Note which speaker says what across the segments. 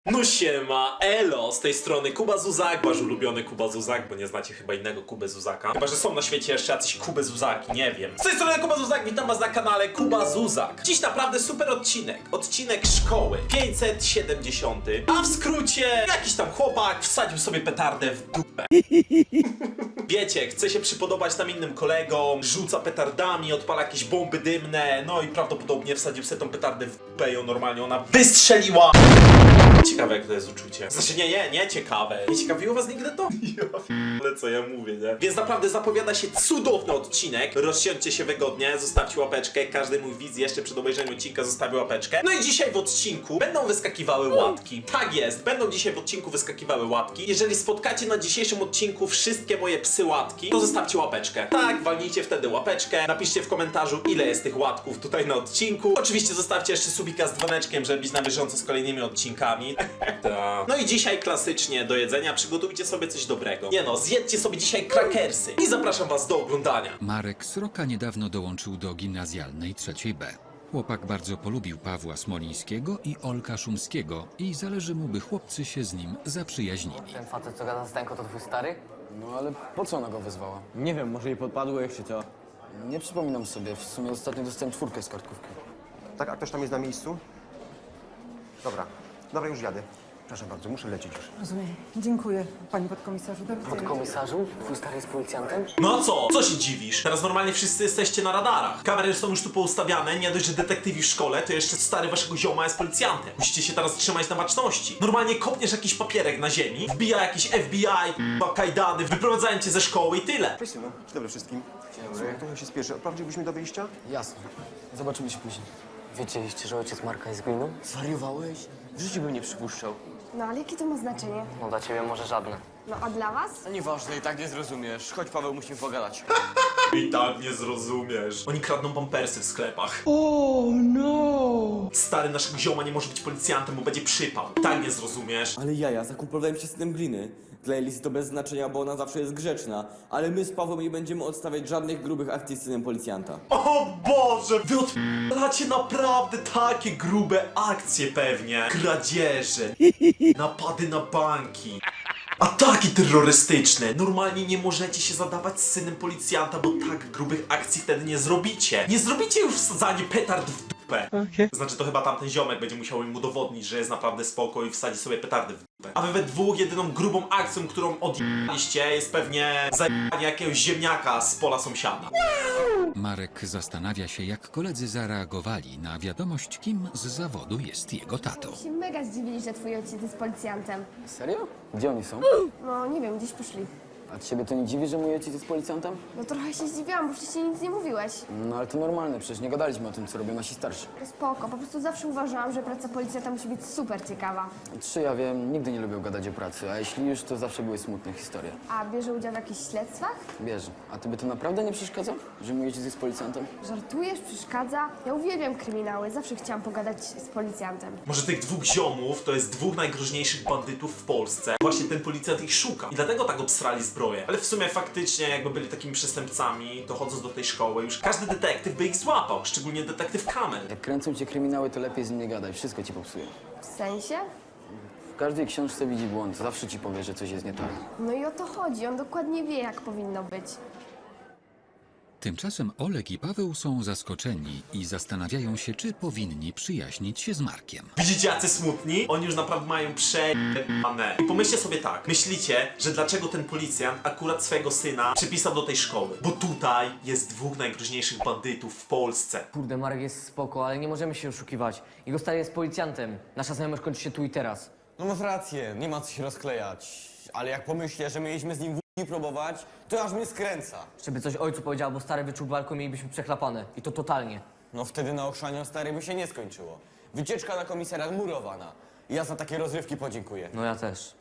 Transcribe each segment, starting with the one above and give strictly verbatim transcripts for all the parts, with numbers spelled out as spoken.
Speaker 1: No siema, elo, z tej strony Kuba Zuzak, wasz ulubiony Kuba Zuzak, bo nie znacie chyba innego Kubę Zuzaka. Chyba że są na świecie jeszcze jacyś Kuby Zuzaki, nie wiem. Z tej strony Kuba Zuzak, witam was na kanale Kuba Zuzak. Dziś naprawdę super odcinek, odcinek szkoły pięćset siedemdziesiąty, a w skrócie jakiś tam chłopak wsadził sobie petardę w dupę. Wiecie, chce się przypodobać tam innym kolegom, rzuca petardami, odpala jakieś bomby dymne, no i prawdopodobnie wsadził sobie tą petardę w dupę i ją normalnie ona wystrzeliła. Ciekawe jak to jest uczucie. Znaczy nie, nie, nie ciekawe. Nie ciekawiło was nigdy to? Ale co ja mówię, nie? Więc naprawdę zapowiada się cudowny odcinek. Rozsiądźcie się wygodnie, zostawcie łapeczkę. Każdy mój widz jeszcze przed obejrzeniem odcinka zostawi łapeczkę. No i dzisiaj w odcinku będą wyskakiwały łapki. Tak jest, będą dzisiaj w odcinku wyskakiwały łapki. Jeżeli spotkacie na dzisiejszym odcinku wszystkie moje psy łatki, to zostawcie łapeczkę. Tak, walnijcie wtedy łapeczkę. Napiszcie w komentarzu, ile jest tych łatków tutaj na odcinku. Oczywiście zostawcie jeszcze subika z dzwoneczkiem, żeby być na bieżąco z kolejnymi odcinkami. Ta. No i dzisiaj klasycznie do jedzenia przygotujcie sobie coś dobrego. Nie no, zjedzcie sobie dzisiaj krakersy i zapraszam was do oglądania.
Speaker 2: Marek Sroka niedawno dołączył do gimnazjalnej trzeciej B. Chłopak bardzo polubił Pawła Smolińskiego i Olka Szumskiego i zależy mu, by chłopcy się z nim zaprzyjaźnili.
Speaker 3: Ten facet, co gada z Stenko, to twój stary?
Speaker 4: No ale po co ona go wezwała?
Speaker 5: Nie wiem, może jej podpadłeś czy co?
Speaker 4: Nie przypominam sobie, w sumie ostatnio dostałem czwórkę z kartkówki.
Speaker 6: Tak, a ktoś tam jest na miejscu? Dobra, dobra, już jadę. Proszę bardzo, muszę lecieć już.
Speaker 7: Rozumiem. Dziękuję, panie podkomisarzu. Do widzenia.
Speaker 3: Podkomisarzu? Twój stary jest policjantem?
Speaker 1: No a co? Co się dziwisz? Teraz normalnie wszyscy jesteście na radarach. Kamery są już tu poustawiane, nie dość, że detektywi w szkole, to jeszcze stary waszego zioma jest policjantem. Musicie się teraz trzymać na baczności. Normalnie kopniesz jakiś papierek na ziemi, wbija jakiś F B I, k***a, kajdany, wyprowadzają cię ze szkoły i tyle.
Speaker 6: Cześć, synu. Dzień dobry wszystkim. Słuchaj, trochę się spieszę. Odprowadziłbyś do wyjścia?
Speaker 4: Jasne. Zobaczymy się później.
Speaker 3: Wiedzieliście, że ojciec Marka jest gminą?
Speaker 5: Zwariowałeś? W życiu bym nie przypuszczał.
Speaker 8: No ale jakie to ma znaczenie?
Speaker 3: No dla ciebie może żadne.
Speaker 8: No a dla was?
Speaker 5: No nieważne, i tak nie zrozumiesz. Chodź, Paweł, musimy pogadać.
Speaker 1: I tak nie zrozumiesz. Oni kradną pampersy w sklepach. Oh no! Stary naszego zioma nie może być policjantem, bo będzie przypał. Tak nie zrozumiesz.
Speaker 5: Ale jaja, zakumplowałem się z synem Gliny. Dla Elisy to bez znaczenia, bo ona zawsze jest grzeczna. Ale my z Pawłem nie będziemy odstawiać żadnych grubych akcji z synem policjanta.
Speaker 1: O Boże! Wy odpalacie naprawdę takie grube akcje pewnie. Kradzieże, napady na banki. Ataki terrorystyczne! Normalnie nie możecie się zadawać z synem policjanta, bo tak grubych akcji wtedy nie zrobicie. Nie zrobicie już wsadzanie petard w dupę. Okay. Znaczy to chyba tamten ziomek będzie musiał im udowodnić, że jest naprawdę spoko i wsadzi sobie petardy w dupę. A wy we dwóch jedyną grubą akcją, którą odjęliście, jest pewnie zajebanie jakiegoś ziemniaka z pola sąsiada.
Speaker 2: Marek zastanawia się, jak koledzy zareagowali na wiadomość, kim z zawodu jest jego tatą.
Speaker 8: Się mega zdziwili, że twój ojciec jest policjantem.
Speaker 4: Serio? Gdzie oni są?
Speaker 8: No nie wiem, gdzieś poszli.
Speaker 4: A ciebie to nie dziwi, że mój ojciec jest policjantem?
Speaker 8: No trochę się zdziwiłam, bo wcześniej nic nie mówiłeś.
Speaker 4: No ale to normalne, przecież nie gadaliśmy o tym, co robią nasi starsi.
Speaker 8: To spoko, po prostu zawsze uważałam, że praca policjanta musi być super ciekawa.
Speaker 4: Trzy, ja wiem, nigdy nie lubią gadać o pracy, a jeśli już, to zawsze były smutne historie.
Speaker 8: A bierze udział w jakichś śledztwach?
Speaker 4: Bierze. A tobie to naprawdę nie przeszkadza, że mój ojciec jest policjantem?
Speaker 8: Żartujesz? Przeszkadza? Ja uwielbiam kryminały, zawsze chciałam pogadać z policjantem.
Speaker 1: Może tych dwóch ziomów to jest dwóch najgroźniejszych bandytów w Polsce. Właśnie ten policjant ich szuka. I dlatego tak obstrali zbroję. Ale w sumie faktycznie jakby byli takimi przestępcami, to chodząc do tej szkoły, już każdy detektyw by ich złapał. Szczególnie detektyw Kamel.
Speaker 4: Jak kręcą cię kryminały, to lepiej z nim nie gadaj, wszystko ci popsuje.
Speaker 8: W sensie?
Speaker 4: W każdej książce widzi błąd, zawsze ci powie, że coś jest nie tak.
Speaker 8: No i o to chodzi, on dokładnie wie, jak powinno być.
Speaker 2: Tymczasem Olek i Paweł są zaskoczeni i zastanawiają się, czy powinni przyjaźnić się z Markiem.
Speaker 1: Widzicie jacy smutni? Oni już naprawdę mają przejebane. I pomyślcie sobie tak, myślicie, że dlaczego ten policjant akurat swojego syna przypisał do tej szkoły? Bo tutaj jest dwóch najgroźniejszych bandytów w Polsce.
Speaker 3: Kurde, Marek jest spoko, ale nie możemy się oszukiwać. Jego stary jest policjantem. Nasza znajomość kończy się tu i teraz.
Speaker 5: No masz rację, nie ma co się rozklejać. Ale jak pomyślę, że mieliśmy z nim w***i próbować, to aż mnie skręca.
Speaker 3: Żeby coś ojcu powiedział, bo stary wyczuł walkę, mielibyśmy przechlapane. I to totalnie.
Speaker 5: No wtedy na ochrzaniu stary by się nie skończyło. Wycieczka na komisariat murowana. I ja za takie rozrywki podziękuję.
Speaker 3: No ja też.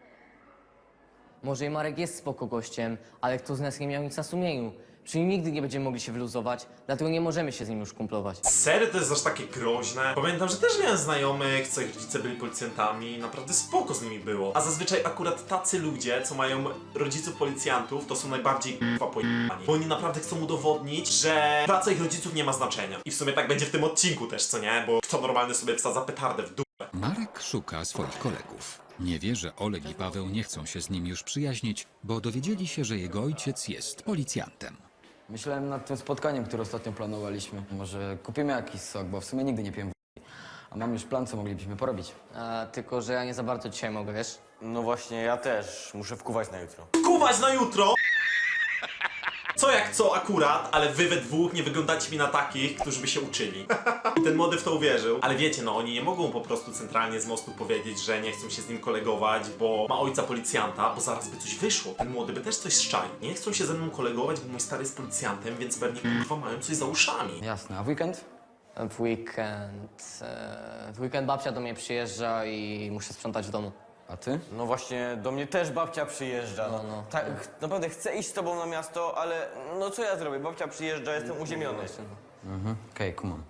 Speaker 3: Może i Marek jest spoko gościem, ale kto z nas nie miał nic na sumieniu. Przy nim nigdy nie będziemy mogli się wyluzować, dlatego nie możemy się z nim już kumplować.
Speaker 1: Serio to jest aż takie groźne? Pamiętam, że też miałem znajomych, co ich rodzice byli policjantami, naprawdę spoko z nimi było. A zazwyczaj akurat tacy ludzie, co mają rodziców policjantów, to są najbardziej k***a pojebani. Bo oni naprawdę chcą udowodnić, że praca ich rodziców nie ma znaczenia. I w sumie tak będzie w tym odcinku też, co nie? Bo kto normalny sobie wsadza petardę w dupę.
Speaker 2: Marek szuka swoich kolegów. Nie wie, że Oleg i Paweł nie chcą się z nim już przyjaźnić, bo dowiedzieli się, że jego ojciec jest policjantem.
Speaker 4: Myślałem nad tym spotkaniem, które ostatnio planowaliśmy. Może kupimy jakiś sok, bo w sumie nigdy nie piłem w***i. A mam już plan, co moglibyśmy porobić.
Speaker 3: A, tylko, że ja nie za bardzo dzisiaj mogę, wiesz?
Speaker 9: No właśnie, ja też muszę wkuwać na jutro.
Speaker 1: Kuwać na jutro! Co jak co akurat, ale wy we dwóch nie wyglądacie mi na takich, którzy by się uczyli. I ten młody w to uwierzył. Ale wiecie, no oni nie mogą po prostu centralnie z mostu powiedzieć, że nie chcą się z nim kolegować, bo ma ojca policjanta, bo zaraz by coś wyszło. Ten młody by też coś szczaił. Nie chcą się ze mną kolegować, bo mój stary jest policjantem, więc pewnie kurwa mają coś za uszami.
Speaker 4: Jasne, a w weekend?
Speaker 3: W weekend... E, w weekend babcia do mnie przyjeżdża i muszę sprzątać w domu.
Speaker 4: A ty?
Speaker 9: No właśnie, do mnie też babcia przyjeżdża.
Speaker 3: No, no.
Speaker 9: Tak, naprawdę chcę iść z tobą na miasto, ale no co ja zrobię? Babcia przyjeżdża, jestem uziemiony.
Speaker 4: Mhm, okej, okay, kumam.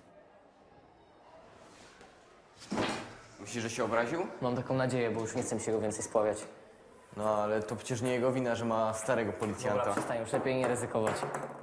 Speaker 9: Myślisz, że się obraził?
Speaker 3: Mam taką nadzieję, bo już nie chcę mi się go więcej spławiać.
Speaker 9: No ale to przecież nie jego wina, że ma starego
Speaker 3: Dobra,
Speaker 9: policjanta.
Speaker 3: przestań, już lepiej nie ryzykować.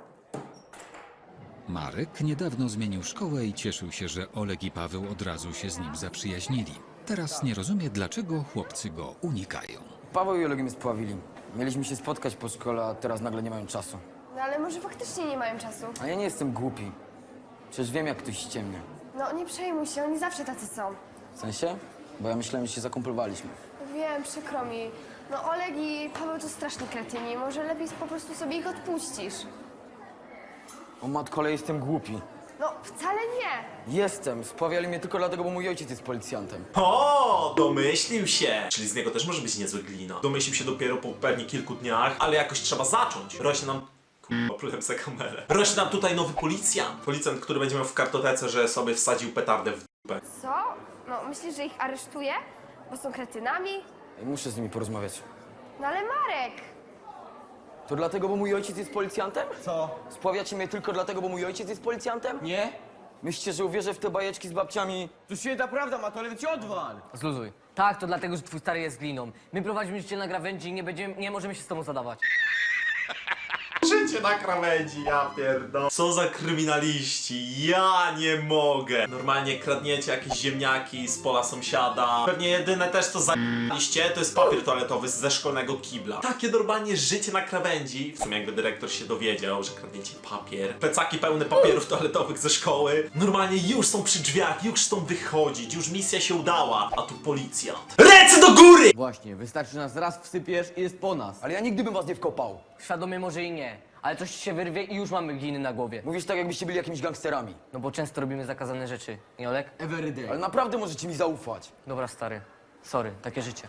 Speaker 2: Marek niedawno zmienił szkołę i cieszył się, że Oleg i Paweł od razu się z nim zaprzyjaźnili. Teraz nie rozumie, dlaczego chłopcy go unikają.
Speaker 4: Paweł i Oleg mnie spławili. Mieliśmy się spotkać po szkole, a teraz nagle nie mają czasu.
Speaker 8: No ale może faktycznie nie mają czasu.
Speaker 4: A ja nie jestem głupi. Przecież wiem, jak ktoś ściemnia.
Speaker 8: No nie przejmuj się, oni zawsze tacy są.
Speaker 4: W sensie? Bo ja myślałem, że się zakumplowaliśmy.
Speaker 8: Wiem, przykro mi. No Oleg i Paweł to straszni kretyni. Może lepiej po prostu sobie ich odpuścisz.
Speaker 4: O matkole, jestem głupi.
Speaker 8: No wcale nie.
Speaker 4: Jestem. Spławiali mnie tylko dlatego, bo mój ojciec jest policjantem.
Speaker 1: O, domyślił się! Czyli z niego też może być niezły glina. Domyślił się dopiero po pewnie kilku dniach, ale jakoś trzeba zacząć. Rośnie nam... Kurwa, plułem za kamerę. Rośnie nam tutaj nowy policjant. Policjant, który będzie miał w kartotece, że sobie wsadził petardę w dupę.
Speaker 8: Co? No myślisz, że ich aresztuje? Bo są kretynami?
Speaker 4: Muszę z nimi porozmawiać.
Speaker 8: No ale Marek!
Speaker 4: To dlatego, bo mój ojciec jest policjantem?
Speaker 9: Co?
Speaker 4: Spławiacie mnie tylko dlatego, bo mój ojciec jest policjantem?
Speaker 9: Nie?
Speaker 4: Myślicie, że uwierzę w te bajeczki z babciami?
Speaker 9: To święta prawda, ma to ci odwal!
Speaker 3: Zluzuj. Tak, to dlatego, że twój stary jest gliną. My prowadzimy życie na krawędzi i nie, będziemy, nie możemy się z tobą zadawać.
Speaker 1: Życie na krawędzi, ja pierdolę. Co za kryminaliści, ja nie mogę. Normalnie kradniecie jakieś ziemniaki z pola sąsiada. Pewnie jedyne też co zaliście to jest papier toaletowy ze szkolnego kibla. Takie normalnie życie na krawędzi. W sumie jakby dyrektor się dowiedział, że kradniecie papier. Plecaki pełne papierów toaletowych ze szkoły. Normalnie już są przy drzwiach, już chcą wychodzić, już misja się udała. A tu policjant. Ręce do góry!
Speaker 9: Właśnie, wystarczy nas raz wsypiesz i jest po nas.
Speaker 4: Ale ja nigdy bym was nie wkopał.
Speaker 3: Świadomie może i nie, ale coś ci się wyrwie i już mamy gliny na głowie.
Speaker 4: Mówisz tak, jakbyście byli jakimiś gangsterami.
Speaker 3: No bo często robimy zakazane rzeczy, nie Olek?
Speaker 9: Everyday.
Speaker 4: Ale naprawdę możecie mi zaufać.
Speaker 3: Dobra, stary. Sorry, takie życie.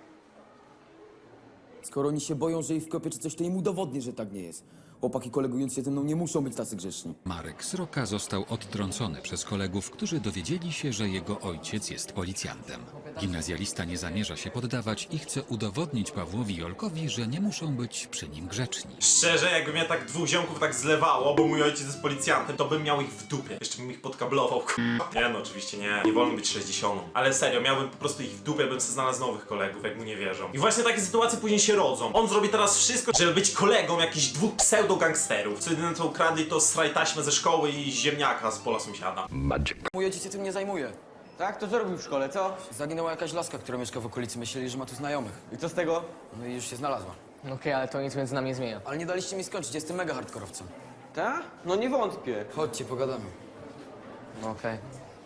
Speaker 5: Skoro oni się boją, że ich wkopię czy coś, to im udowodnię, że tak nie jest. Chłopaki kolegując się ze mną nie muszą być tacy grzeczni.
Speaker 2: Marek Sroka został odtrącony przez kolegów, którzy dowiedzieli się, że jego ojciec jest policjantem. Gimnazjalista nie zamierza się poddawać i chce udowodnić Pawłowi i Olkowi, że nie muszą być przy nim grzeczni.
Speaker 1: Szczerze, jakby mnie tak dwóch ziomków tak zlewało, bo mój ojciec jest policjantem, to bym miał ich w dupie. Jeszcze bym ich podkablował, k***a. Nie no, oczywiście nie. Nie wolno być sześćdziesiątą. Ale serio, miałbym po prostu ich w dupie, bym sobie znalazł nowych kolegów, jak mu nie wierzą. I właśnie takie sytuacje później się rodzą. On zrobi teraz wszystko, żeby być kolegą jakichś dwóch pseudo-gangsterów. Co jedyne co ukradli, to straj taśmę ze szkoły i ziemniaka z pola sąsiada.
Speaker 4: Mój ojciec się tym nie zajmuje.
Speaker 9: Tak? To co robił w szkole, co?
Speaker 4: Zaginęła jakaś laska, która mieszka w okolicy. Myśleli, że ma tu znajomych.
Speaker 9: I co z tego?
Speaker 4: No i już się znalazła.
Speaker 3: Okej, ale to nic między nami nie zmienia.
Speaker 4: Ale nie daliście mi skończyć, jestem mega hardkorowcem.
Speaker 9: Tak? No nie wątpię.
Speaker 4: Chodźcie, pogadamy.
Speaker 3: No okej.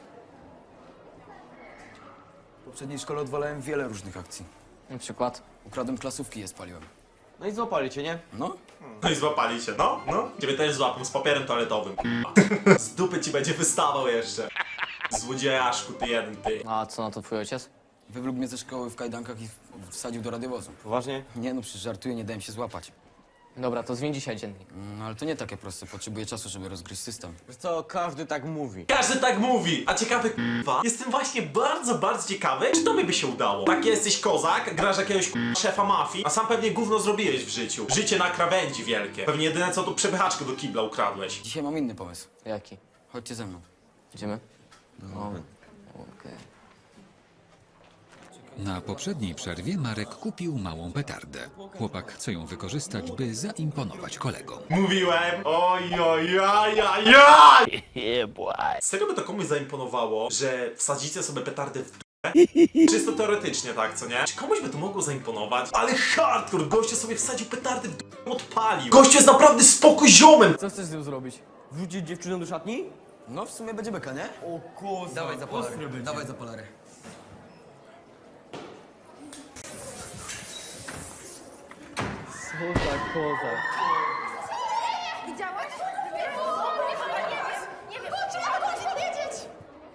Speaker 4: W poprzedniej szkole odwalałem wiele różnych akcji.
Speaker 3: Na przykład?
Speaker 4: Ukradłem klasówki i je spaliłem.
Speaker 9: No i złapali cię, nie?
Speaker 4: No?
Speaker 1: No i złapali cię, no, no. Ciebie też złapią z papierem toaletowym, k***a. Z dupy ci będzie wystawał jeszcze. Złodziejaszku, ty jeden, ty.
Speaker 3: A co na to twój ojciec?
Speaker 4: Wywlókł mnie ze szkoły w kajdankach i w- wsadził do radiowozu.
Speaker 9: Poważnie?
Speaker 4: Nie no, przecież żartuję, nie dałem się złapać.
Speaker 3: Dobra, to zmień dzisiaj dziennik.
Speaker 4: No ale to nie takie proste, potrzebuję czasu, żeby rozgryźć system.
Speaker 9: Wiesz co, każdy tak mówi.
Speaker 1: Każdy tak mówi, a ciekawy k***wa. Jestem właśnie bardzo, bardzo ciekawy, czy to mi by się udało. Tak jesteś kozak, grasz jakiegoś k***a szefa mafii, a sam pewnie gówno zrobiłeś w życiu. Życie na krawędzi wielkie. Pewnie jedyne co tu przepychaczkę do kibla ukradłeś.
Speaker 4: Dzisiaj mam inny pomysł.
Speaker 3: Jaki?
Speaker 4: Chodźcie ze mną.
Speaker 3: Idziemy? No. Okej.
Speaker 2: Na poprzedniej przerwie Marek kupił małą petardę. Chłopak chce ją wykorzystać, by zaimponować kolegom.
Speaker 1: Mówiłem, oj, oj, oj, oj, oj. Serio by to komuś zaimponowało, że wsadzicie sobie petardę w Czysto teoretycznie, tak, co nie? Czy komuś by to mogło zaimponować? Ale hardcore! Gościu sobie wsadził petardy w d... odpalił. Gościu jest naprawdę spoko ziomem!
Speaker 3: Co chcesz z tym zrobić?
Speaker 5: Wrzucić dziewczynę do szatni?
Speaker 4: No w sumie będzie beka, nie?
Speaker 5: O koza,
Speaker 4: Dawaj za polary, dawaj za polary.
Speaker 8: Widziałeś? Nie wiem, nie wiem, czy ja mogę powiedzieć?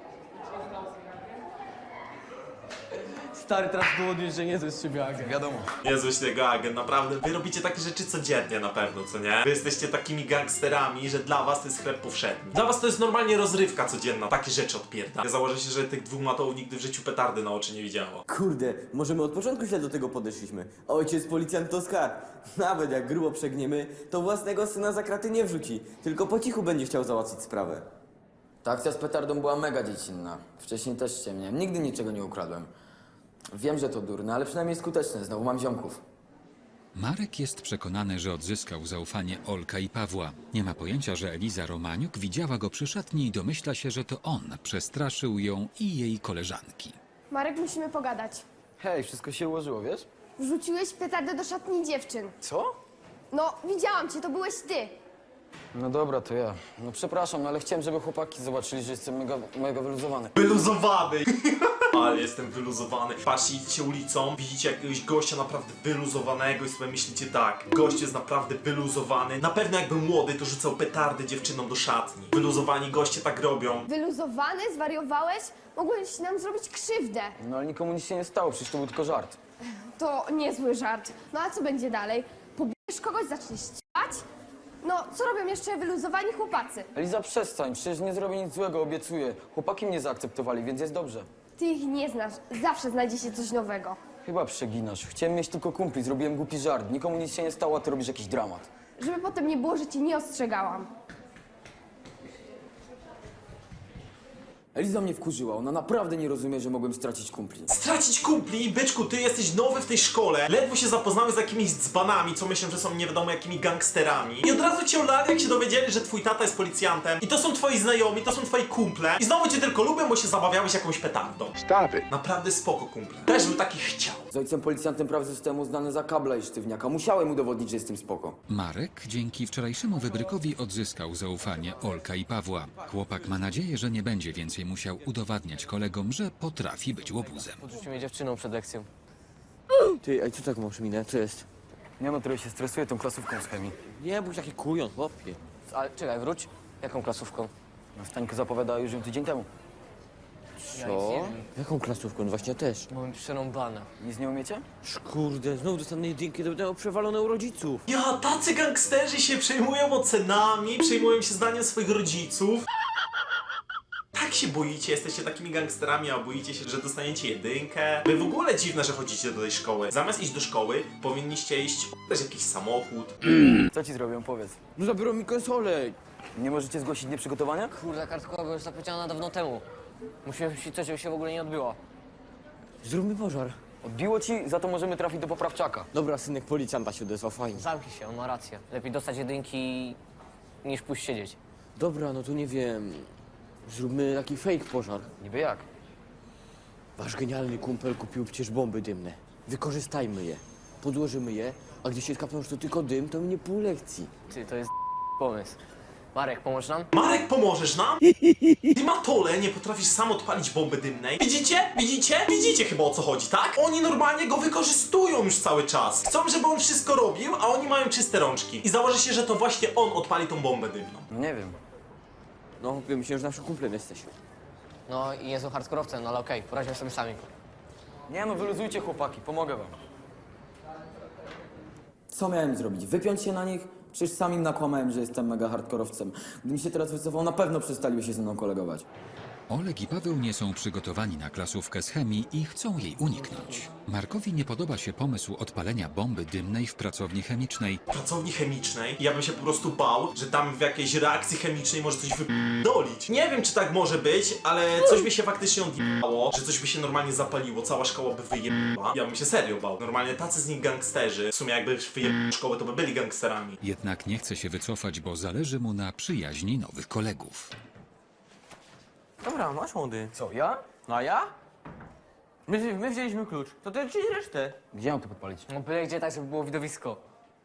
Speaker 3: Stary, teraz udowodnisz, że nie to jest siebie agent.
Speaker 4: Wiadomo.
Speaker 1: Niezły tego agent, naprawdę. Wy robicie takie rzeczy codziennie na pewno, co nie? Wy jesteście takimi gangsterami, że dla was to jest chleb powszedni. Dla was to jest normalnie rozrywka codzienna, takie rzeczy odpierda. Ja założę się, że tych dwóch matołów nigdy w życiu petardy na oczy nie widziało.
Speaker 5: Kurde, może my od początku źle do tego podeszliśmy. Ojciec policjant to skarb. Nawet jak grubo przegniemy, to własnego syna za kraty nie wrzuci. Tylko po cichu będzie chciał załatwić sprawę.
Speaker 4: Ta akcja z petardą była mega dziecinna. Wcześniej też ściemniałem. Nigdy niczego nie ukradłem. Wiem, że to durne, ale przynajmniej skuteczne. Znowu mam ziomków.
Speaker 2: Marek jest przekonany, że odzyskał zaufanie Olka i Pawła. Nie ma pojęcia, że Eliza Romaniuk widziała go przy szatni i domyśla się, że to on przestraszył ją i jej koleżanki.
Speaker 8: Marek, musimy pogadać.
Speaker 4: Hej, wszystko się ułożyło, wiesz?
Speaker 8: Wrzuciłeś petardę do szatni dziewczyn.
Speaker 4: Co?
Speaker 8: No, widziałam cię, to byłeś ty.
Speaker 4: No dobra, to ja. No przepraszam, no ale chciałem, żeby chłopaki zobaczyli, że jestem mega, mega wyluzowany.
Speaker 1: Wyluzowany! Ale jestem wyluzowany. Patrzcie, idziecie ulicą, widzicie jakiegoś gościa naprawdę wyluzowanego i sobie myślicie tak, gość jest naprawdę wyluzowany. Na pewno jak był młody, to rzucał petardy dziewczynom do szatni. Wyluzowani goście tak robią.
Speaker 8: Wyluzowany? Zwariowałeś? Mogłeś nam zrobić krzywdę.
Speaker 4: No ale nikomu nic się nie stało, przecież to był tylko żart.
Speaker 8: To niezły żart. No a co będzie dalej? Pobierzesz kogoś, zaczniesz ściać? No, co robią jeszcze wyluzowani chłopacy?
Speaker 4: Eliza, przestań, przecież nie zrobię nic złego, obiecuję. Chłopaki mnie zaakceptowali, więc jest dobrze.
Speaker 8: Ty ich nie znasz. Zawsze znajdzie się coś nowego.
Speaker 4: Chyba przeginasz. Chciałem mieć tylko kumpli, zrobiłem głupi żart. Nikomu nic się nie stało, a ty robisz jakiś dramat.
Speaker 8: Żeby potem nie było, że cię nie ostrzegałam.
Speaker 4: Eliza mnie wkurzyła, ona naprawdę nie rozumie, że mogłem stracić kumpli.
Speaker 1: Stracić kumpli, byczku, ty jesteś nowy w tej szkole. Ledwo się zapoznałeś z jakimiś dzbanami, co myślę, że są nie wiadomo jakimi gangsterami. I od razu cię olali, jak się dowiedzieli, że twój tata jest policjantem. I to są twoi znajomi, to są twoi kumple. I znowu cię tylko lubią, bo się zabawiałeś jakąś petardą.
Speaker 6: Stop it.
Speaker 1: Naprawdę spoko, kumple. Też bym taki chciał.
Speaker 4: Z ojcem policjantem praw zostałem uznany za kabla i sztywniaka. Musiałem udowodnić, że jestem spoko.
Speaker 2: Marek dzięki wczorajszemu wybrykowi odzyskał zaufanie Olka i Pawła. Chłopak ma nadzieję, że nie będzie więcej musiał udowadniać kolegom, że potrafi być łobuzem.
Speaker 3: Podrzucił mnie dziewczyną przed lekcją.
Speaker 5: Ty, a co tak masz minę? Co jest?
Speaker 4: Nie no, trochę się stresuję tą klasówką z chemii.
Speaker 5: Nie bądź taki kujon, chłopie.
Speaker 3: Ale czekaj, wróć. Jaką klasówką?
Speaker 4: No, Stańka zapowiadała już ją tydzień temu.
Speaker 3: Ja nic nie wiem.
Speaker 5: Jaką klasówką? No właśnie też.
Speaker 3: Mamy przerąbane.
Speaker 4: Nic nie umiecie?
Speaker 5: Kurde, znowu dostanę jedynki, to będę przewalone u rodziców.
Speaker 1: Ja, tacy gangsterzy się przejmują ocenami, przejmują się zdaniem swoich rodziców. Tak się boicie, jesteście takimi gangsterami, a boicie się, że dostaniecie jedynkę. Wy w ogóle dziwne, że chodzicie do tej szkoły. Zamiast iść do szkoły, powinniście iść też jakiś samochód.
Speaker 4: Co ci zrobią, powiedz.
Speaker 5: No zabiorą mi konsolę.
Speaker 4: Nie możecie zgłosić nieprzygotowania?
Speaker 3: Kurde, kartka była już zapleciona dawno temu. Musimy wymyślić coś, żeby się w ogóle nie odbyło.
Speaker 5: Zróbmy pożar.
Speaker 4: Odbiło ci, za to możemy trafić do poprawczaka.
Speaker 5: Dobra, synek policjanta się odezwał, fajnie.
Speaker 3: Zamknij się, on ma rację. Lepiej dostać jedynki niż pójść siedzieć.
Speaker 5: Dobra, no to nie wiem. Zróbmy taki fake pożar.
Speaker 4: Niby jak?
Speaker 5: Wasz genialny kumpel kupił przecież bomby dymne. Wykorzystajmy je. Podłożymy je, a gdy się skapną, że to tylko dym, to mnie pół lekcji.
Speaker 3: Ty, to jest pomysł. Marek, pomóż nam?
Speaker 1: Marek, pomożesz nam? Ty, Matole, nie potrafisz sam odpalić bomby dymnej. Widzicie? Widzicie? Widzicie chyba, o co chodzi, tak? Oni normalnie go wykorzystują już cały czas. Chcą, żeby on wszystko robił, a oni mają czyste rączki. I założę się, że to właśnie on odpali tą bombę dymną.
Speaker 4: No nie wiem.
Speaker 5: No, myślę, że naszym kumplem jesteś.
Speaker 3: No i jest hardkorowcem, no ale okej, poradzimy sobie sami.
Speaker 4: Nie no, wyluzujcie chłopaki, pomogę wam. Co miałem zrobić? Wypiąć się na nich? Przecież sam im nakłamałem, że jestem mega hardkorowcem. Gdybym się teraz wycofał, na pewno przestaliby się ze mną kolegować.
Speaker 2: Oleg i Paweł nie są przygotowani na klasówkę z chemii i chcą jej uniknąć. Markowi nie podoba się pomysł odpalenia bomby dymnej w pracowni chemicznej.
Speaker 1: Pracowni chemicznej? Ja bym się po prostu bał, że tam w jakiejś reakcji chemicznej może coś wyp***dolić. Nie wiem, czy tak może być, ale coś by się faktycznie odjebało, że coś by się normalnie zapaliło, cała szkoła by wyjebała. Ja bym się serio bał. Normalnie tacy z nich gangsterzy, w sumie jakby wyjebali szkołę, to by byli gangsterami.
Speaker 2: Jednak nie chce się wycofać, bo zależy mu na przyjaźni nowych kolegów.
Speaker 5: Dobra, masz młody.
Speaker 4: Co, ja? No a ja?
Speaker 9: My, my wzięliśmy klucz, to ty czyli resztę.
Speaker 4: Gdzie mam to podpalić?
Speaker 3: No byle gdzie tak, żeby było widowisko.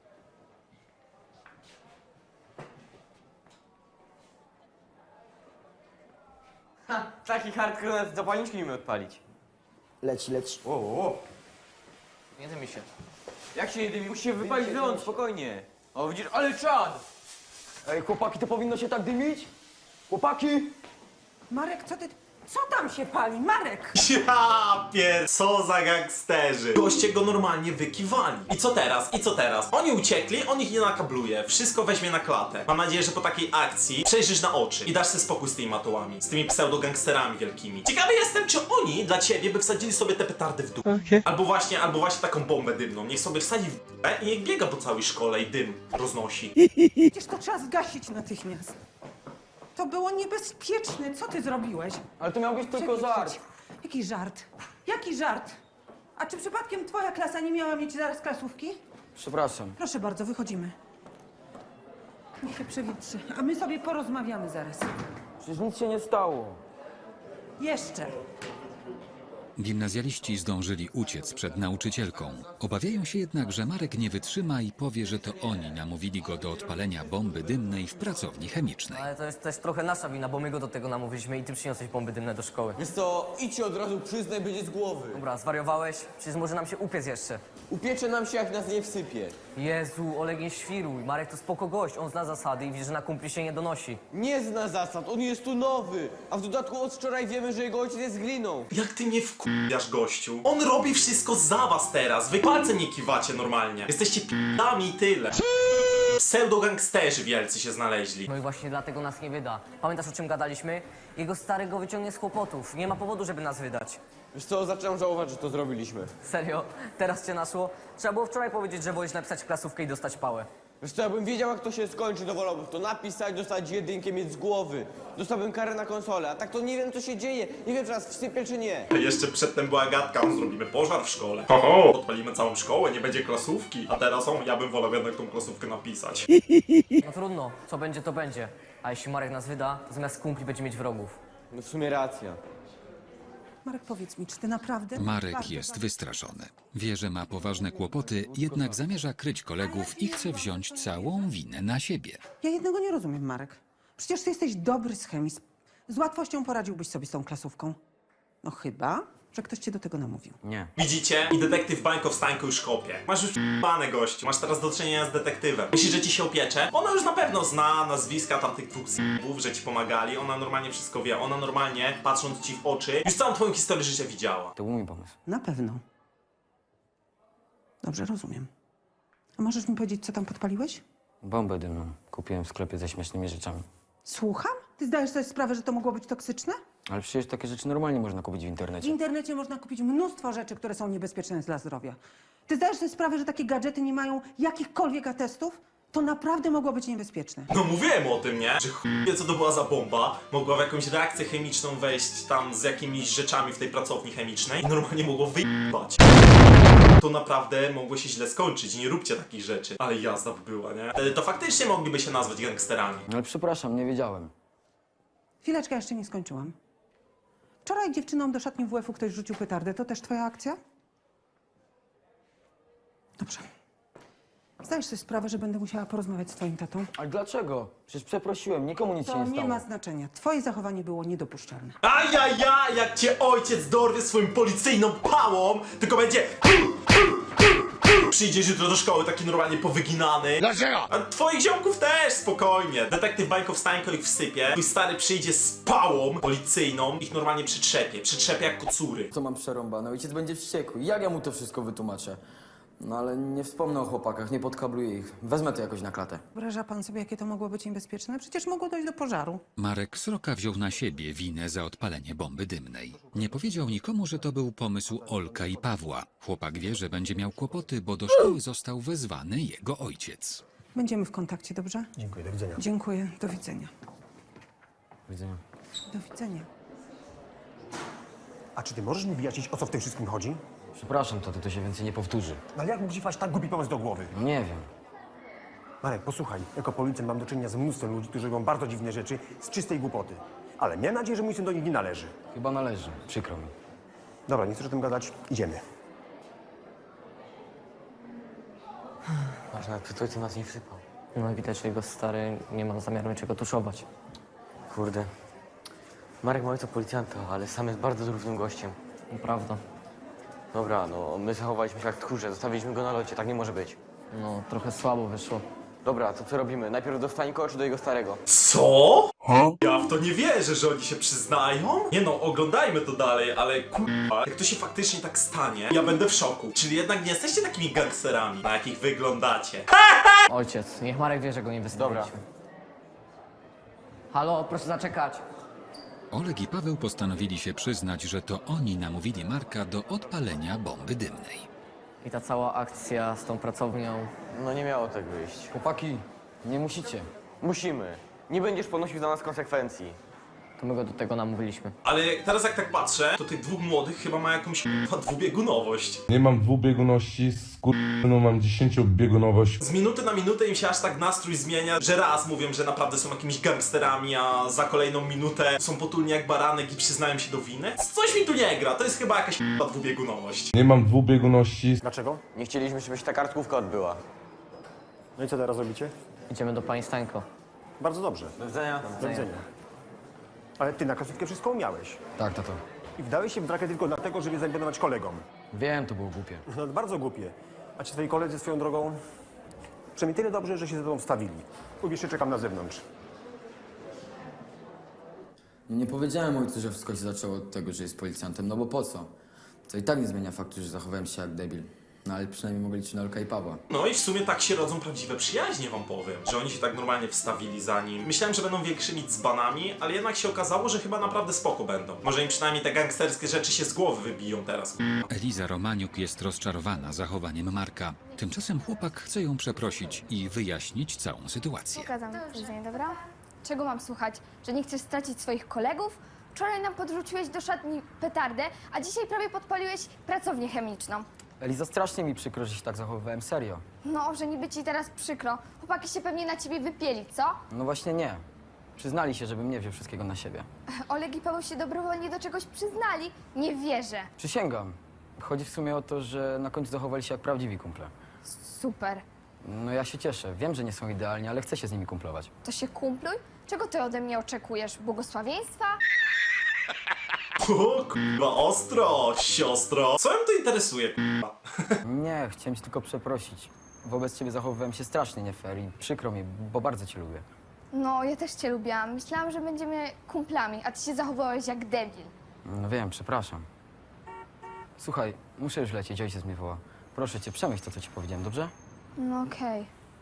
Speaker 9: Ha, taki hardcore nas zapalniczki nie umie odpalić.
Speaker 4: Leci, leci.
Speaker 9: O, o.
Speaker 3: Nie dymi się.
Speaker 9: Jak się jedynie musi się wypalić ląd, spokojnie. O, widzisz, ale czad!
Speaker 4: Ej, chłopaki, to powinno się tak dymić? Chłopaki!
Speaker 7: Marek, co ty... Co tam się pali? Marek!
Speaker 1: Ja pier... co za gangsterzy. Goście go normalnie wykiwali. I co teraz? I co teraz? Oni uciekli, on ich nie nakabluje. Wszystko weźmie na klatę. Mam nadzieję, że po takiej akcji przejrzysz na oczy i dasz sobie spokój z tymi matołami. Z tymi pseudo-gangsterami wielkimi. Ciekawy jestem, czy oni dla ciebie by wsadzili sobie te petardy w dół. Okay. Albo właśnie, albo właśnie taką bombę dymną. Niech sobie wsadzi w dupę i niech biega po całej szkole i dym roznosi.
Speaker 7: Przecież to trzeba zgasić natychmiast. To było niebezpieczne. Co ty zrobiłeś?
Speaker 9: Ale to miał być tylko
Speaker 7: Czekaj,
Speaker 9: żart.
Speaker 7: chodź. Jaki żart? Jaki żart? A czy przypadkiem twoja klasa nie miała mieć zaraz klasówki?
Speaker 4: Przepraszam.
Speaker 7: Proszę bardzo, wychodzimy. Niech się przewietrzy, a my sobie porozmawiamy zaraz.
Speaker 4: Przecież nic się nie stało.
Speaker 7: Jeszcze.
Speaker 2: Gimnazjaliści zdążyli uciec przed nauczycielką. Obawiają się jednak, że Marek nie wytrzyma i powie, że to oni namówili go do odpalenia bomby dymnej w pracowni chemicznej.
Speaker 3: Ale to jest też trochę nasza wina, bo my go do tego namówiliśmy i ty przyniosłeś bomby dymne do szkoły.
Speaker 9: Wiesz co, idź od razu przyznaj, będzie z głowy.
Speaker 3: Dobra, zwariowałeś? Przecież może nam się upiec jeszcze.
Speaker 9: Upiecze nam się, jak nas nie wsypie.
Speaker 3: Jezu, Oleg nie świruj. Marek to spoko gość, on zna zasady i widzi, że na kumpli się nie donosi.
Speaker 9: Nie zna zasad, on jest tu nowy. A w dodatku od wczoraj wiemy, że jego ojciec jest gliną.
Speaker 1: Jak ty mnie wkurwiasz, gościu? On robi wszystko za was teraz. Wy palcem nie kiwacie normalnie. Jesteście p***ami i tyle. Pseudo-gangsterzy wielcy się znaleźli.
Speaker 3: No i właśnie dlatego nas nie wyda. Pamiętasz, o czym gadaliśmy? Jego stary go wyciągnie z kłopotów. Nie ma powodu, żeby nas wydać.
Speaker 9: Wiesz co, zaczynam żałować, że to zrobiliśmy.
Speaker 3: Serio? Teraz cię naszło? Trzeba było wczoraj powiedzieć, że wolisz napisać klasówkę i dostać pałę.
Speaker 9: Wiesz co, jakbym wiedział, jak to się skończy, to wolałbym to napisać, dostać jedynkę, mieć z głowy. Dostałbym karę na konsolę, a tak to nie wiem, co się dzieje. Nie wiem, czy nas wsypie, czy nie.
Speaker 1: Jeszcze przedtem była gadka, on zrobimy pożar w szkole. Oho, odpalimy całą szkołę, nie będzie klasówki. A teraz on, ja bym wolał jednak tą klasówkę napisać.
Speaker 3: No trudno, co będzie, to będzie. A jeśli Marek nas wyda, to zamiast kumpli będzie mieć wrogów.
Speaker 9: No w sumie racja.
Speaker 7: Marek, powiedz mi, czy ty naprawdę...
Speaker 2: Marek
Speaker 7: Bardzo,
Speaker 2: jest
Speaker 7: bardzo-
Speaker 2: wystraszony. Wie, że ma poważne kłopoty, jednak zamierza kryć kolegów i chce wziąć całą winę na siebie.
Speaker 7: Ja jednego nie rozumiem, Marek. Przecież ty jesteś dobry z chemii. Z- Z łatwością poradziłbyś sobie z tą klasówką. No chyba, że ktoś cię do tego namówił.
Speaker 4: Nie.
Speaker 1: Widzicie? I detektyw Bańko w Stańku już kopie. Masz już p***bane, gościu. Masz teraz do czynienia z detektywem. Myślisz, że ci się opiecze? Ona już na pewno zna nazwiska tamtych dwóch z***ów, że ci pomagali. Ona normalnie wszystko wie. Ona normalnie, patrząc ci w oczy, już całą twoją historię życia widziała.
Speaker 4: To był mój pomysł.
Speaker 7: Na pewno. Dobrze, rozumiem. A możesz mi powiedzieć, co tam podpaliłeś?
Speaker 4: Bombę dymną. Kupiłem w sklepie ze śmiesznymi rzeczami.
Speaker 7: Słucham? Ty zdajesz sobie sprawę, że to mogło być toksyczne?
Speaker 4: Ale przecież takie rzeczy normalnie można kupić w
Speaker 7: W
Speaker 4: internecie.
Speaker 7: internecie można kupić mnóstwo rzeczy, które są niebezpieczne dla zdrowia. Ty zdajesz sobie sprawę, że takie gadżety nie mają jakichkolwiek atestów? To naprawdę mogło być niebezpieczne.
Speaker 1: No mówiłem o tym, nie? Że chuj wie, co to była za bomba. Mogła w jakąś reakcję chemiczną wejść tam z jakimiś rzeczami w tej pracowni chemicznej i normalnie mogło wyjebać. To naprawdę mogło się źle skończyć. Nie róbcie takich rzeczy. Ale jazda by była, nie? Wtedy to faktycznie mogliby się nazwać gangsterami.
Speaker 4: Ale przepraszam, nie wiedziałem.
Speaker 7: Chwileczkę, jeszcze nie skończyłam. Wczoraj dziewczynom do szatni W F-u ktoś rzucił petardę. To też twoja akcja? Dobrze. Zdajesz sobie sprawę, że będę musiała porozmawiać z twoim tatą?
Speaker 4: Ale dlaczego? Przecież przeprosiłem, nikomu nic się
Speaker 7: To
Speaker 4: nie
Speaker 7: nie
Speaker 4: stało.
Speaker 7: ma znaczenia. Twoje zachowanie było niedopuszczalne.
Speaker 1: Ajaja, jak cię ojciec dorwie swoim policyjną pałą, tylko będzie... Przyjdziesz jutro do szkoły taki normalnie powyginany. Dlaczego? A twoich ziomków też, spokojnie. Detektyw Bańko wstańko ich wsypie. Twój stary przyjdzie z pałą policyjną, ich normalnie przytrzepie. Przytrzepie jak kocury.
Speaker 4: Co mam przerąbane? Ojciec będzie wściekły. Jak ja mu to wszystko wytłumaczę? No ale nie wspomnę o chłopakach, nie podkabluję ich. Wezmę to jakoś na klatę.
Speaker 7: Wyobraża pan sobie, jakie to mogło być niebezpieczne? Przecież mogło dojść do pożaru.
Speaker 2: Marek Sroka wziął na siebie winę za odpalenie bomby dymnej. Nie powiedział nikomu, że to był pomysł Olka i Pawła. Chłopak wie, że będzie miał kłopoty, bo do szkoły został wezwany jego ojciec.
Speaker 7: Będziemy w kontakcie, dobrze?
Speaker 6: Dziękuję, do widzenia.
Speaker 7: Dziękuję. Do widzenia.
Speaker 4: Do widzenia.
Speaker 7: Do widzenia.
Speaker 6: A czy ty możesz mi wyjaśnić, o co w tym wszystkim chodzi?
Speaker 4: Przepraszam, to to się więcej nie powtórzy.
Speaker 6: No ale jak mógł ci wpaść tak głupi pomysł do głowy?
Speaker 4: No nie wiem.
Speaker 6: Marek, posłuchaj, jako policjant mam do czynienia z mnóstwem ludzi, którzy robią bardzo dziwne rzeczy z czystej głupoty. Ale miałem nadzieję, że mój syn do nich nie należy.
Speaker 4: Chyba należy. Przykro mi.
Speaker 6: Dobra, nie chcesz o tym gadać, idziemy.
Speaker 9: Masz nawet to nas nie wsypał.
Speaker 3: No widać, że jego stary nie ma zamiaru niczego tuszować.
Speaker 9: Kurde. Marek ma ojca policjanta, ale sam jest bardzo zrównym gościem.
Speaker 3: Naprawdę.
Speaker 9: Dobra, no my zachowaliśmy się jak tchórze, zostawiliśmy go na locie, tak nie może być.
Speaker 3: No, trochę słabo wyszło.
Speaker 9: Dobra, to co robimy? Najpierw do Stańko czy do jego starego?
Speaker 1: Co? Ja w to nie wierzę, że oni się przyznają. Nie no, oglądajmy to dalej, ale kurwa, jak to się faktycznie tak stanie, ja będę w szoku. Czyli jednak nie jesteście takimi gangsterami, na jakich wyglądacie.
Speaker 3: Ojciec, niech Marek wie, że go nie wystawiliśmy. Halo, proszę zaczekać.
Speaker 2: Oleg i Paweł postanowili się przyznać, że to oni namówili Marka do odpalenia bomby dymnej.
Speaker 3: I ta cała akcja z tą pracownią.
Speaker 9: No nie miało tak wyjść.
Speaker 4: Chłopaki, nie musicie.
Speaker 9: Musimy. Nie będziesz ponosił za nas konsekwencji.
Speaker 3: To my go do tego namówiliśmy.
Speaker 1: Ale teraz jak tak patrzę, to tych dwóch młodych chyba ma jakąś kurwa dwubiegunowość.
Speaker 10: Nie mam dwubieguności, skurwysynu mam dziesięciobiegunowość.
Speaker 1: Z minuty na minutę im się aż tak nastrój zmienia, że raz mówią, że naprawdę są jakimiś gangsterami, a za kolejną minutę są potulni jak baranek i przyznają się do winy. Coś mi tu nie gra, to jest chyba jakaś kurwa dwubiegunowość.
Speaker 10: Nie mam dwubieguności.
Speaker 6: Dlaczego?
Speaker 9: Nie chcieliśmy, żeby się ta kartkówka odbyła.
Speaker 6: No i co teraz robicie?
Speaker 3: Idziemy do pani Stańko.
Speaker 6: Bardzo dobrze.
Speaker 9: Do widzenia.
Speaker 6: Do widzenia. Ale ty na klasówkę wszystko umiałeś.
Speaker 4: Tak, tato.
Speaker 6: I wdałeś się w drakę tylko dlatego, żeby zaimponować kolegom.
Speaker 4: Wiem, to było głupie.
Speaker 6: No bardzo głupie. A ci twoi koledzy swoją drogą... Przynajmniej tyle dobrze, że się ze tobą wstawili. Ubierz się, czekam na zewnątrz.
Speaker 4: Nie powiedziałem ojcu, że wszystko się zaczęło od tego, że jest policjantem, no bo po co? To i tak nie zmienia faktu, że zachowałem się jak debil. No ale przynajmniej mogli liczyć na Olka i Pawła.
Speaker 1: No i w sumie tak się rodzą prawdziwe przyjaźnie, wam powiem. Że oni się tak normalnie wstawili za nim. Myślałem, że będą większymi dzbanami, ale jednak się okazało, że chyba naprawdę spoko będą. Może im przynajmniej te gangsterskie rzeczy się z głowy wybiją teraz.
Speaker 2: Eliza Romaniuk jest rozczarowana zachowaniem Marka. Tymczasem chłopak chce ją przeprosić i wyjaśnić całą sytuację.
Speaker 8: Pokazam tydzień, dobra? Czego mam słuchać? Że nie chcesz stracić swoich kolegów? Wczoraj nam podrzuciłeś do szatni petardę, a dzisiaj prawie podpaliłeś pracownię chemiczną.
Speaker 4: Eliza, strasznie mi przykro, że się tak zachowywałem, serio.
Speaker 8: No, że niby ci teraz przykro. Chłopaki się pewnie na ciebie wypieli, co?
Speaker 4: No właśnie nie. Przyznali się, żebym nie wziął wszystkiego na siebie.
Speaker 8: Oleg i Paweł się dobrowolnie do czegoś przyznali. Nie wierzę.
Speaker 4: Przysięgam. Chodzi w sumie o to, że na końcu zachowali się jak prawdziwi kumple.
Speaker 8: Super.
Speaker 4: No ja się cieszę. Wiem, że nie są idealni, ale chcę się z nimi kumplować.
Speaker 8: To się kumpluj? Czego ty ode mnie oczekujesz? Błogosławieństwa?
Speaker 1: O kurwa, ostro, siostro. Co ją to interesuje, kurwa?
Speaker 4: Nie, chciałem cię tylko przeprosić. Wobec ciebie zachowywałem się strasznie nie fair i przykro mi, bo bardzo cię lubię.
Speaker 8: No, ja też cię lubiłam. Myślałam, że będziemy kumplami, a ty się zachowałeś jak debil.
Speaker 4: No wiem, przepraszam. Słuchaj, muszę już lecieć, ojciec mnie woła. Proszę cię, przemyśl to, co ci powiedziałem, dobrze?
Speaker 8: No okej.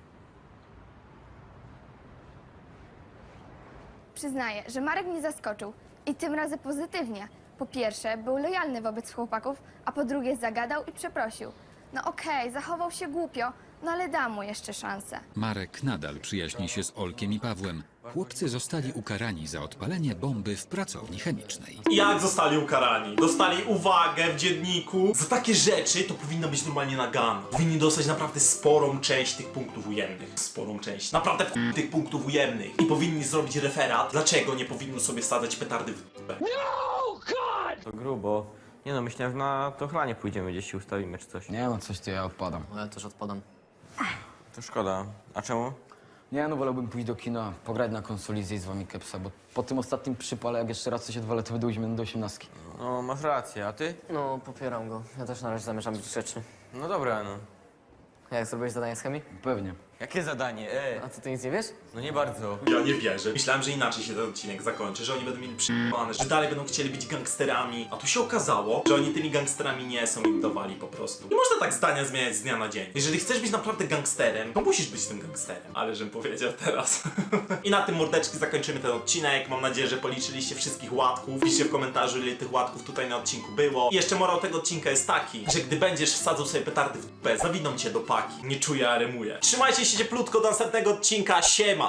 Speaker 8: Przyznaję, że Marek mnie zaskoczył. I tym razem pozytywnie. Po pierwsze, był lojalny wobec chłopaków, a po drugie zagadał i przeprosił. No okej, zachował się głupio, no ale dam mu jeszcze szansę.
Speaker 2: Marek nadal przyjaźni się z Olkiem i Pawłem. Chłopcy zostali ukarani za odpalenie bomby w pracowni chemicznej.
Speaker 1: Jak zostali ukarani? Dostali uwagę w dzienniku. Za takie rzeczy to powinno być normalnie nagane. Powinni dostać naprawdę sporą część tych punktów ujemnych. Sporą część. Naprawdę w tych punktów ujemnych. I powinni zrobić referat, dlaczego nie powinno sobie wsadzać petardy w dupę.
Speaker 9: To grubo. Nie no, myślałem, że na to chlanie pójdziemy, gdzieś się ustawimy czy coś.
Speaker 4: Nie no, coś ty, ja odpadam.
Speaker 3: No ja też odpadam.
Speaker 9: To szkoda. A czemu?
Speaker 4: Nie no, wolałbym pójść do kina, pograć na konsoli, zjeść z wami kepsa, bo po tym ostatnim przypale, jak jeszcze raz coś odwalę, to wydłużimy do osiemnastki.
Speaker 9: No, masz rację, a ty?
Speaker 3: No, popieram go. Ja też na razie zamierzam być grzeczny.
Speaker 9: No dobra, no.
Speaker 3: Jak zrobiłeś zadanie z chemii?
Speaker 4: Pewnie.
Speaker 9: Jakie zadanie? E,
Speaker 3: A co, ty nic nie wiesz?
Speaker 9: no nie bardzo.
Speaker 1: Ja nie wierzę. Myślałem, że inaczej się ten odcinek zakończy, że oni będą mieli przyjmowane, że dalej będą chcieli być gangsterami. A tu się okazało, że oni tymi gangsterami nie są, im dawali po prostu. Nie można tak zdania zmieniać z dnia na dzień. Jeżeli chcesz być naprawdę gangsterem, to musisz być tym gangsterem. Ale żem powiedział teraz. I na tym, mordeczki, zakończymy ten odcinek. Mam nadzieję, że policzyliście wszystkich łatków. Piszcie w komentarzu, ile tych łatków tutaj na odcinku było. I jeszcze morał tego odcinka jest taki, że gdy będziesz wsadzał sobie petardy w dupę, zawiną cię do paki. Nie czuję, a rymuje. Trzymajcie się cieplutko do następnego odcinka. Siema!